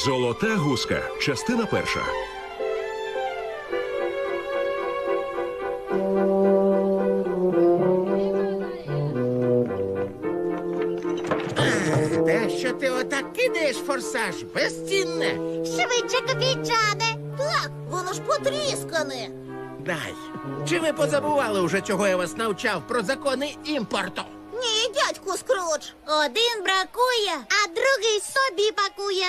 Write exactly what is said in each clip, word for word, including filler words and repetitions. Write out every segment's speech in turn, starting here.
Золота гуска. Частина перша. Те, що ти отак кидаєш форсаж, безцінне. Швидше, копійчане. Так, воно ж потріскане. Дай. Чи ви позабували уже, чого я вас навчав про закони імпорту? Ні, дядьку Скрудж. Один бракує, а другий собі пакує.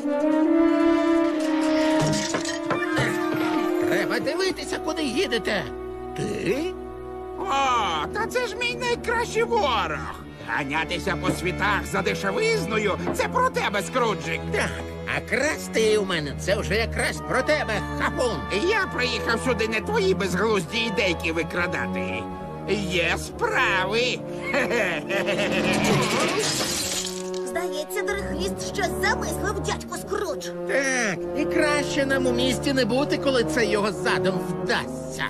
Треба дивитися, куди їдете. Ти? О, та це ж мій найкращий ворог. Ганятися по світах за дешевизною – це про тебе, Скруджик. Так, а красти у мене це вже якраз про тебе, хапун. Я приїхав сюди не твої безглузді ідейки викрадати. Є справи. Здається, дорохвіст щось замислив, дядьку Скрудж. Так, і краще нам у місті не бути, коли це його задум вдасться.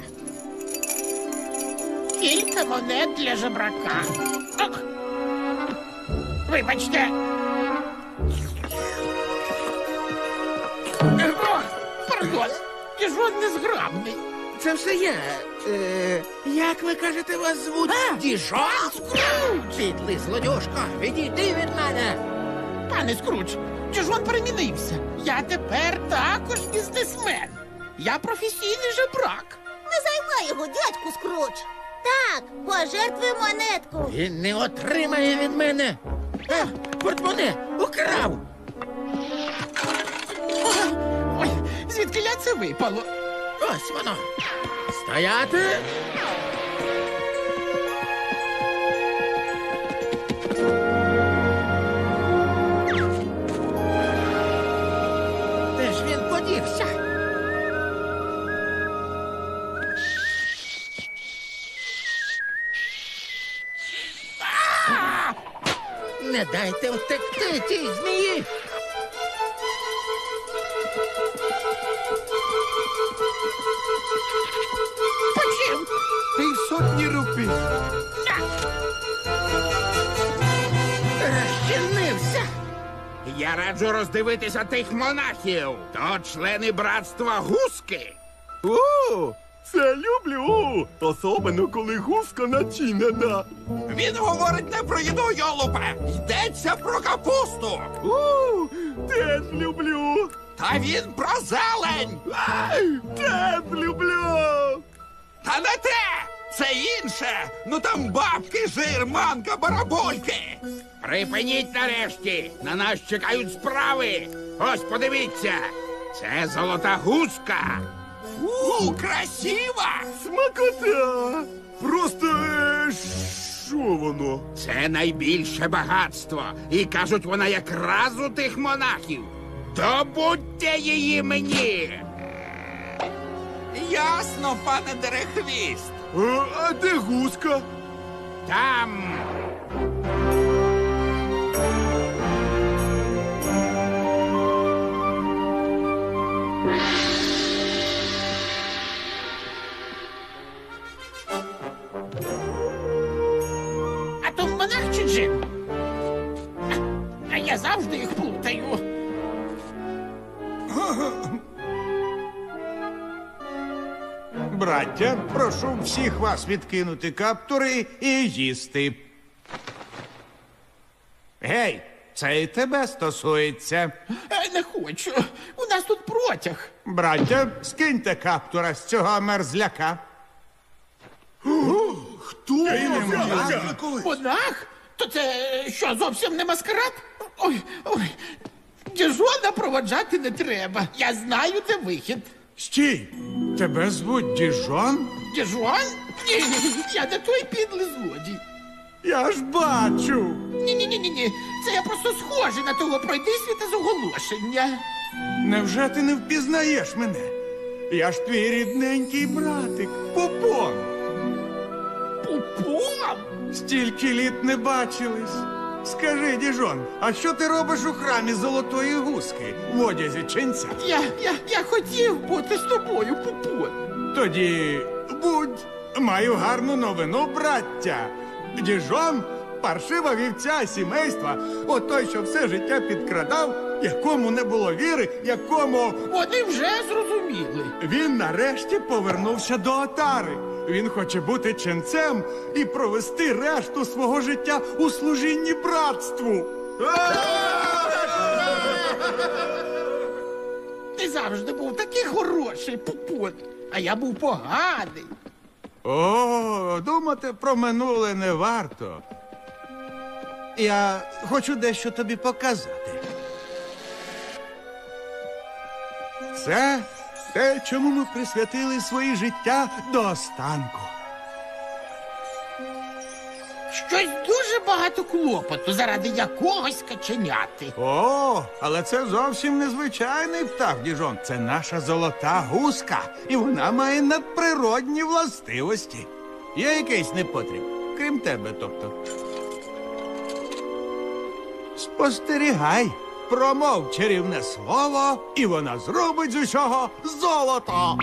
Кілька монет для жебрака. Ок. Вибачте. О, пардон, Діжон незграбний. Це все я. Е, як ви кажете, вас звуть? Діжон? Підлий злодюшко, відійди від мене. Пане Скрудж, Діжон перемінився. Я тепер також бізнесмен. Я професійний жебрак. Не займай його, дядьку Скрудж. Так, пожертвуй монетку. Він не отримає від мене. А, портмоне украв. Ой, ой, звідки ля це випало? Ось воно. Стояти. Де ж він подівся? А! Не дайте втекти тій змії. Почим? Півсотні рупій. Розчинився. Я раджу роздивитися тих монахів. То члени братства гуски. О, це люблю! Особливо, коли гуска начинена. Він говорить не про їду, йолупе. Йдеться про капусту. У, теж люблю. Та він про зелень. Ай, теж люблю. Та не те! Це інше! Ну там бабки, жир, манка, барабольки! Припиніть нарешті! На нас чекають справи! Ось подивіться! Це золота гуска! У, красива! Смакота. Просто, е, що воно? Це найбільше багатство! І кажуть, вона якраз у тих монахів! Добудьте її мені! Ясно, пане Дерехвіст! А, а де гуска? Там! А то монах чи джин? А, а я завжди їх плутаю. Браття, прошу всіх вас відкинути каптури і їсти. Гей, це і тебе стосується. Е, Не хочу. У нас тут протяг. Браття, скиньте каптура з цього мерзляка. Хто? Монах? То це що, зовсім не маскарад? Ой, ой. Діжона проводжати не треба. Я знаю, де вихід. Стій! Тебе звуть Діжон? Діжон? Ні, я не той підлий злодій. Я ж бачу. Ні-ні-ні-ні. Це я просто схожий на того пройдисвіта з оголошення. Невже ти не впізнаєш мене? Я ж твій рідненький братик, Попон. Пупом? Стільки літ не бачились. Скажи, Діжон, а що ти робиш у храмі Золотої Гуски в одязі ченця? Я, я, я хотів бути з тобою, Пупон. Тоді будь, маю гарну новину, браття. Діжон паршива вівця сімейства, отой, що все життя підкрадав, якому не було віри, якому Вони вже зрозуміли. він нарешті повернувся до отари. Він хоче бути ченцем і провести решту свого життя у служінні братству. Ти завжди був такий хороший, Пупон, а я був поганий. О, думати про минуле не варто. Я хочу дещо тобі показати. Це те, чому ми присвятили свої життя до останку. Щось дуже багато клопоту заради якогось каченяти. О, але це зовсім незвичайний птах, діжон. Це наша золота гуска, і вона має надприродні властивості. Є якийсь непотріб, крім тебе, тобто. Спостерігай, промов чарівне слово, і вона зробить з усього золото.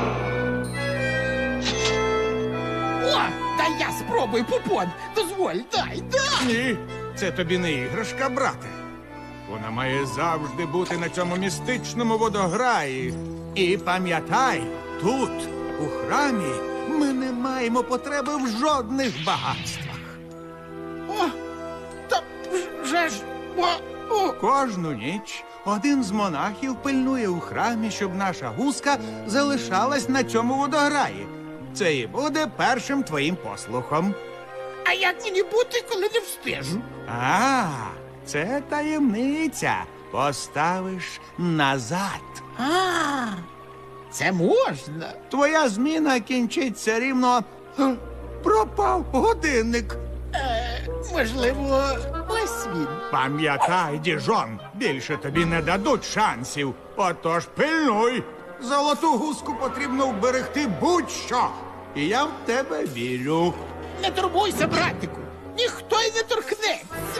О, дай я спробую, Пупон. Дозволь, дай, дай. Ні, це тобі не іграшка, брате. Вона має завжди бути на цьому містичному водограї. І пам'ятай, тут, у храмі, ми не маємо потреби в жодних багатствах. О, та вже ж, о, о. Кожну ніч один з монахів пильнує у храмі, щоб наша гуска залишалась на цьому водограї. Це і буде першим твоїм послухом. А як мені бути, коли не встежу? А, це таємниця. Поставиш назад. А, це можна. Твоя зміна кінчиться рівно. Х, пропав годинник. Е, можливо, ось він. Пам'ятай, діжон, більше тобі не дадуть шансів. Отож пильнуй. Золоту гуску потрібно вберегти будь-що. І я в тебе вірю. Не турбуйся, братику. Ніхто й не торкнеться.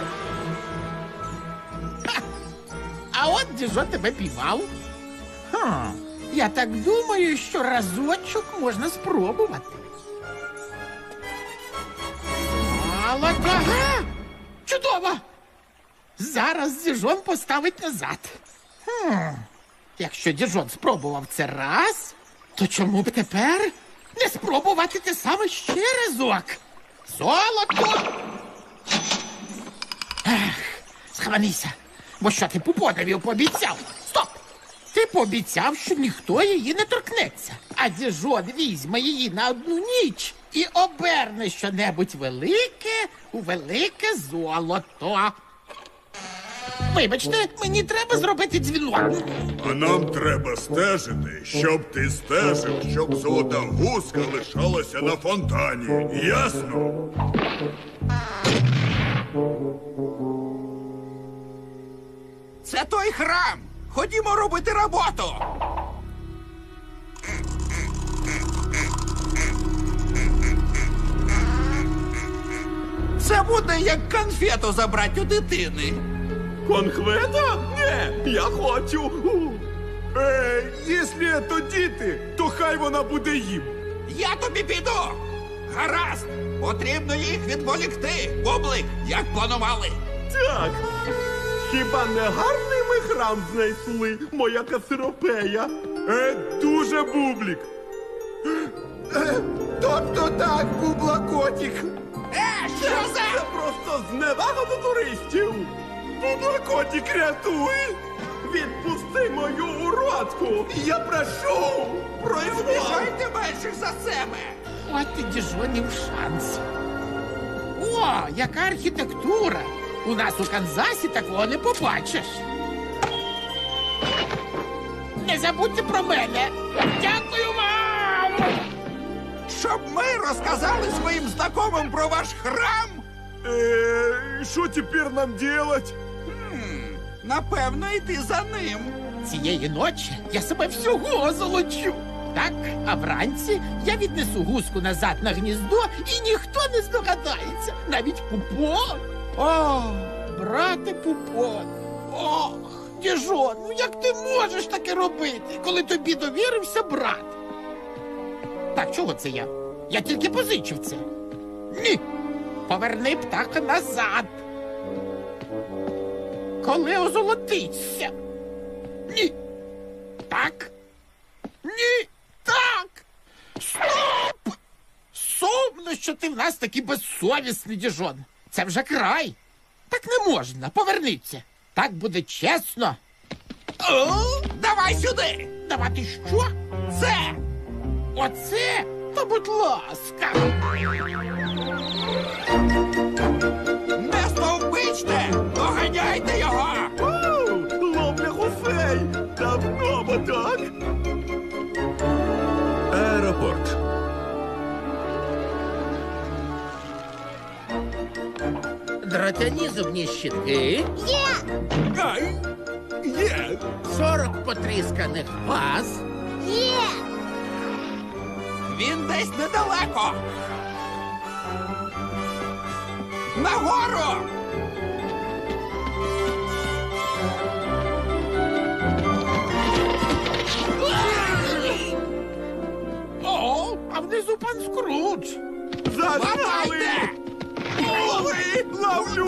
Ха. А от Діжон тебе піймав. Ха. Я так думаю, що разочок можна спробувати. Золото. Ага! Чудово! Зараз Діжон поставить назад. Хм. Якщо Діжон спробував це раз, то чому б тепер не спробувати те саме ще разок? Золото! Ех, схаменися, бо що ти Пупонові пообіцяв? Стоп! Ти пообіцяв, що ніхто її не торкнеться, а Діжон візьме її на одну ніч і оберне щонебудь велике у велике золото. Вибачте, мені треба зробити дзвінок. А нам треба стежити, щоб ти стежив, щоб золота гуска лишалася на фонтані. Ясно? Це той храм. Ходімо робити роботу. Це буде як конфету забрати у дитини. Конхвета? Ні, я хочу. Е, якщо то діти, то хай вона буде їм. Я тобі піду. Гаразд. Потрібно їх відволікти. Бублик, як планували. Так. Хіба не гарний ми храм знайшли, моя касиропея? Е, дуже бублік. Е, тобто так, бублакотік. Е, що Це за... просто зневага до туристів. Бублакотік, рятуй! Відпусти мою уродку! Я прошу! Произвол! Біжайте менших за себе. От і Діжонів шанс. О, яка архітектура! У нас у Канзасі такого не побачиш. Не забудьте про мене. Дякую вам! Щоб ми розказали своїм знайомим про ваш храм? Е, що тепер нам делать? Хм, напевно, йти за ним. Цієї ночі я себе всього золочу. Так, а вранці я віднесу гуску назад на гніздо, і ніхто не здогадається. Навіть Пупон. О, брате Пупон. Ох, Діжон, ну як ти можеш таке робити, коли тобі довірився брат? Так, чого це я? Я тільки позичив це. Ні. Поверни птаха назад. коли озолотиться. Ні. Так. Ні. Так. Стоп! Сумно, що ти в нас такий безсовісний, діжон. Це вже край. Так не можна. Поверніться. Так буде чесно. О, давай сюди! Давати що? Це! Оце? Та будь ласка. Не стовбичте! Доганяйте його! Ловля гусей! Давно бо так! Аеропорт. Дротяні зубні щітки, Є! Ай! Є! сорок потрісканих ваз, Є! Він десь недалеко! Нагору! О, а внизу пан Скрудж. Лапайте! Лови! Ловлю!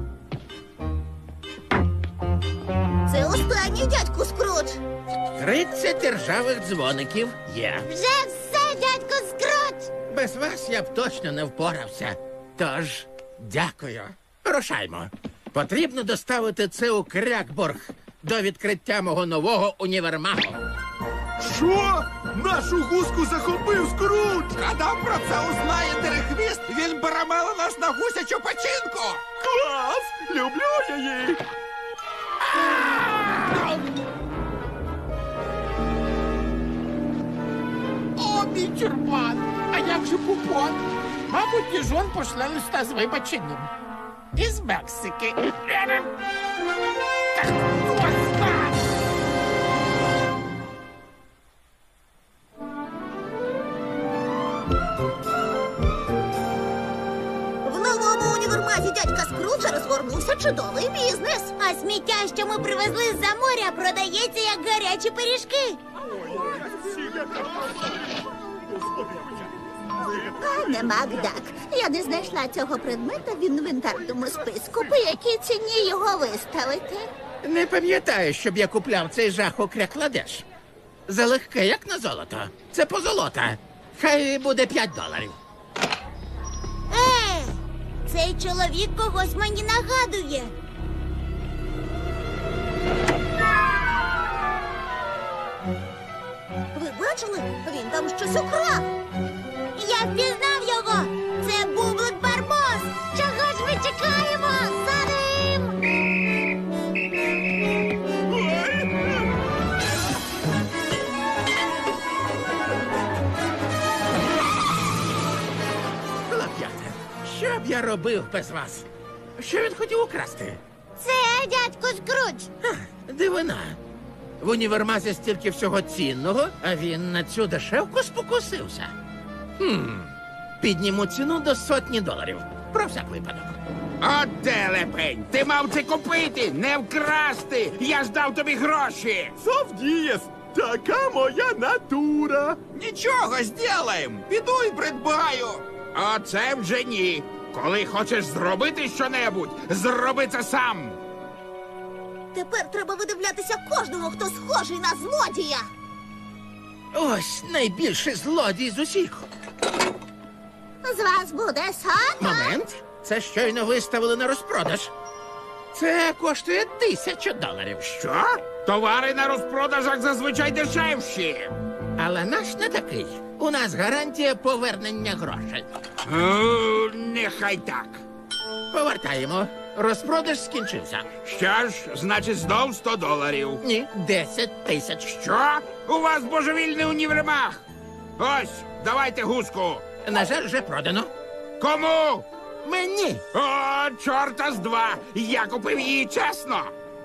Це останній, дядьку Скрудж. тридцять ржавих дзвоників є. Вже все, дядьку Скрудж. Без вас я б точно не впорався. Тож, дякую. Рушаймо. Потрібно доставити це у Крякборг до відкриття мого нового універмагу. Що? Нашу гуску захопив Скрудж! Коли про це узнає Дерехвіст, він перемеле нас на гусячу печінку! Клас! Люблю її! О, мій тюрбан. А як же купон? Мабуть, діжон пошле листа з вибаченням. Із Мексики. Так, ось так. В новому універмазі дядька Скруджа розгорнувся чудовий бізнес. А сміття, що ми привезли з-за моря, продається як гарячі пиріжки. Пане Макдак, я не знайшла цього предмета в інвентарному списку. По якій ціні його виставити? Не пам'ятаю, щоб я купляв цей жах у Крякладеш. Залегке, як на золото. Це позолота. Хай буде п'ять доларів. Е, цей чоловік когось мені нагадує. Ви бачили? Він там щось украв. Я впізнав його. Це Бублик Барбос. Чого ж ми чекаємо? За ним! Хлоп'ята, що б я робив без вас? Що він хотів украсти? Це дядько Скрудж. Ха, дивина. В універмазі стільки всього цінного, а він на цю дешевку спокусився. Хм. Підніму ціну до сотні доларів. Про всяк випадок. От телепень! Ти мав це купити, не вкрасти! Я ж дав тобі гроші! Совдієс! Така моя натура! Нічого, зділаєм! Піду і придбаю! А це вже ні. Коли хочеш зробити щонебудь, зроби це сам! Тепер треба видивлятися кожного, хто схожий на злодія. Ось найбільший злодій з усіх. З вас буде сотня. Момент. Це щойно виставили на розпродаж. Це коштує тисячу доларів. Що? Товари на розпродажах зазвичай дешевші. Але наш не такий. У нас гарантія повернення грошей. О, нехай так. Повертаємо. Розпродаж скінчився. Що ж, значить, знов сто доларів. Ні, десять тисяч. Що? У вас божевільний універмаг. Ось, давайте гуску. На жаль, вже продано. Кому? Мені. О, чорта з два. Я купив її чесно.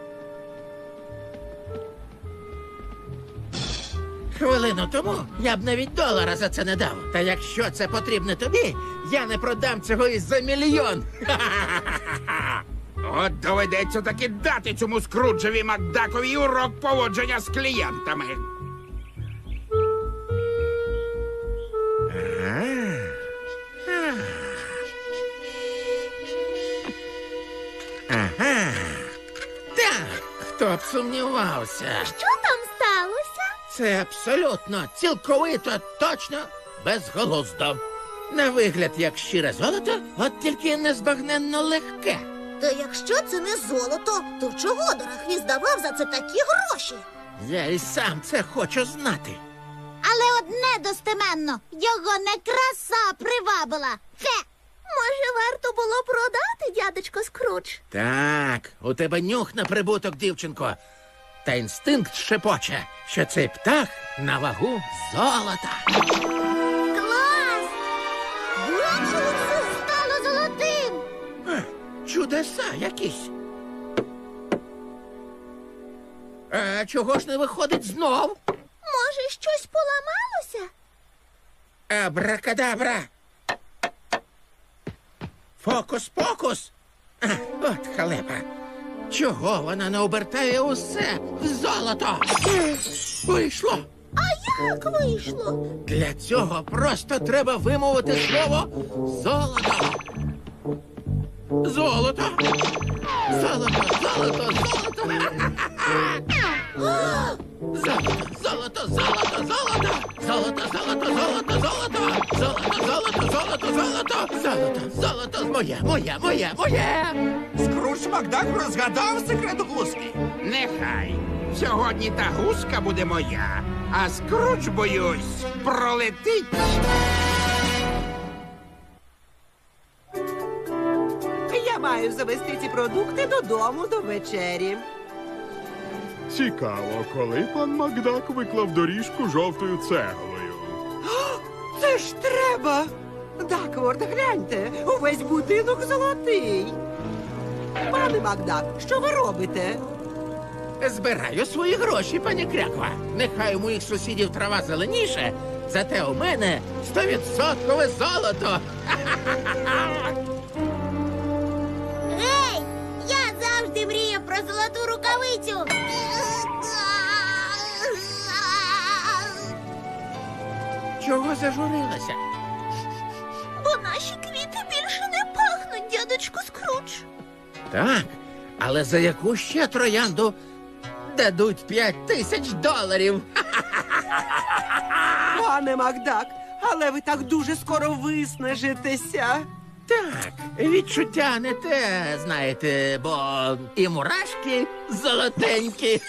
Хвилину тому я б навіть долара за це не дав. Та якщо це потрібно тобі, я не продам цього і за мільйон. Ха-ха-ха-ха-ха. От доведеться таки дати цьому Скруджеві Макдакові урок поводження з клієнтами. Ага. от сумнівався. Що там сталося? Це абсолютно, цілковито, точно, безголуздо. На вигляд, як щире золото, от тільки незбагненно легке. Та якщо це не золото, то чого Дорохвіст давав за це такі гроші? Я і сам це хочу знати. Але одне достеменно, його не краса привабила. Хе! Може, варто було продати, дядечко Скрудж? Так, у тебе нюх на прибуток, дівчинко. Та інстинкт шепоче, що цей птах на вагу золота. Клас! Бачили, стало золотим! Е, Чудеса якісь. А чого ж не виходить знов? Може, щось поламалося? Абракадабра. Фокус-покус. А, от халепа. Чого вона не обертає усе в золото? Вийшло. А як вийшло? Для цього просто треба вимовити слово золото. Золото. Золото, золото, золото. Ха-ха-ха. Золото, золото, золото, золото. Золото, золото, золото, золото. Золото, золото, золото, золото. Золото, золото, моє, моє, моє, моє. Скрудж Макдак розгадав секрет гуски. Нехай. Сьогодні та гуска буде моя, а Скрудж, боюсь, пролетить. Я маю завести ці продукти додому до вечері. Цікаво, коли пан Макдак виклав доріжку жовтою цеглою. Це ж треба! Дакворд, гляньте, увесь будинок золотий. Пане Макдак, що ви робите? Збираю свої гроші, пані Кряква. Нехай у моїх сусідів трава зеленіше, зате у мене стовідсоткове золото. Гей! Я завжди мріяв про золоту рукавицю. Чого зажурилася? Бо наші квіти більше не пахнуть, дядечко Скрудж. Так, але за яку ще троянду дадуть п'ять тисяч доларів? Пане Макдак, але ви так дуже скоро виснажитеся. Так, відчуття не те, знаєте, бо і мурашки золотенькі.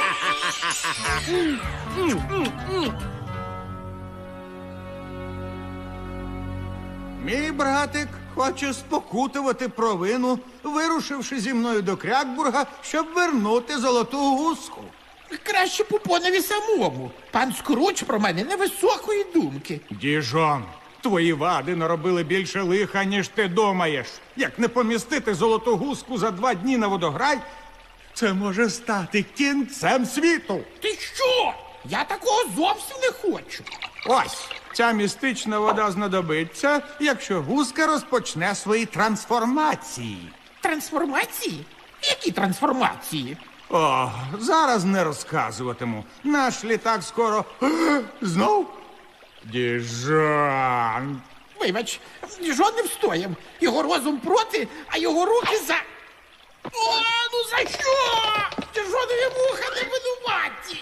Мій братик хоче спокутувати провину, вирушивши зі мною до Крякбурга, щоб вернути золоту гуску. Краще Пупонові самому. Пан Скрудж про мене невисокої думки. Діжон, твої вади наробили більше лиха, ніж ти думаєш. Як не помістити золоту гуску за два дні на водограй, це може стати кінцем світу. Ти що? Я такого зовсім не хочу. Ось, ця містична вода знадобиться, якщо гуска розпочне свої трансформації. Трансформації? Які трансформації? О, зараз не розказуватиму. Наш літак скоро знов. Діжон. Вибач, Діжон не встояв. Його розум проти, а його руки за... О, ну за що? Діжонові вуха не винуваті.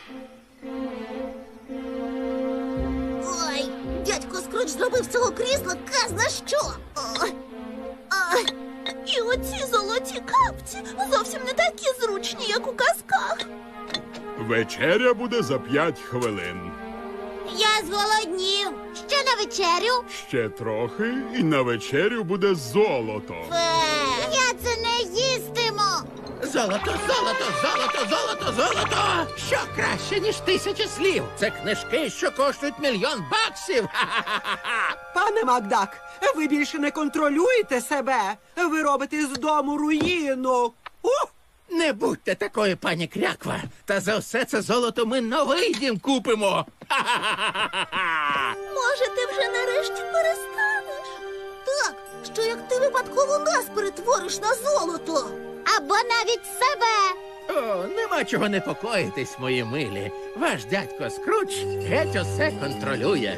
Ой, дядько Скрудж зробив з цього крісла казна що. Ой. Ой. І оці золоті капці зовсім не такі зручні, як у казках. Вечеря буде за п'ять хвилин. Я зголоднів. Ще на вечерю? Ще трохи, і на вечерю буде золото. Я це не їстиму. Золото, золото, золото, золото, золото! Що краще, ніж тисячі слів? Це книжки, що коштують мільйон баксів. Ха-ха-ха-ха! Пане Макдак, ви більше не контролюєте себе. Ви робите з дому руїну. Ух! Не будьте такою, пані Кряква. Та за все це золото ми новий дім купимо. Ха-ха-ха-ха-ха! Може, ти вже нарешті перестанеш? Так, що як ти випадково нас перетвориш на золото. Або навіть себе. О, нема чого непокоїтись, мої милі. Ваш дядько Скрудж геть усе контролює.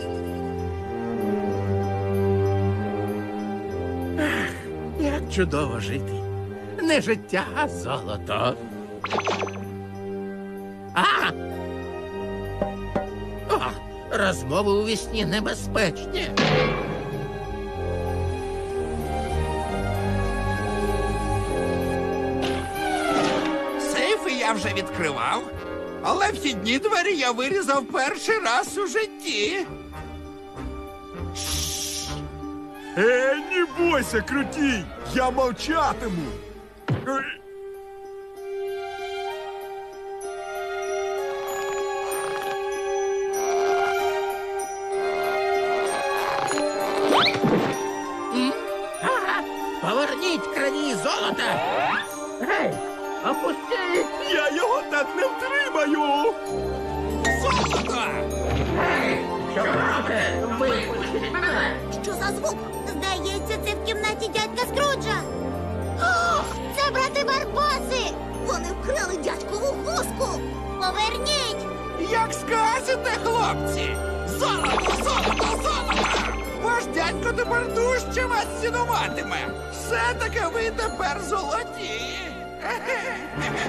Ах, як чудово жити. Не життя, а золото. А! О, розмови у вісні небезпечні. Сейфи я вже відкривав, але вхідні двері я вирізав перший раз у житті. Е, не бойся, крутій! Я мовчатиму! Е, Ага, поверніть крані золота. Гей, опустіть. Я його так не втримаю! Золото! Що робите? Випустіть мене. Що за звук? Здається, це в кімнаті дядька Скруджа. О, це брати Барбоси! Вони вкрали дядькову хустку! Поверніть! Як скажете, хлопці! Золото, золото, золото! Ваш дядько тепер дужче вас цінуватиме! Все-таки ви тепер золоті!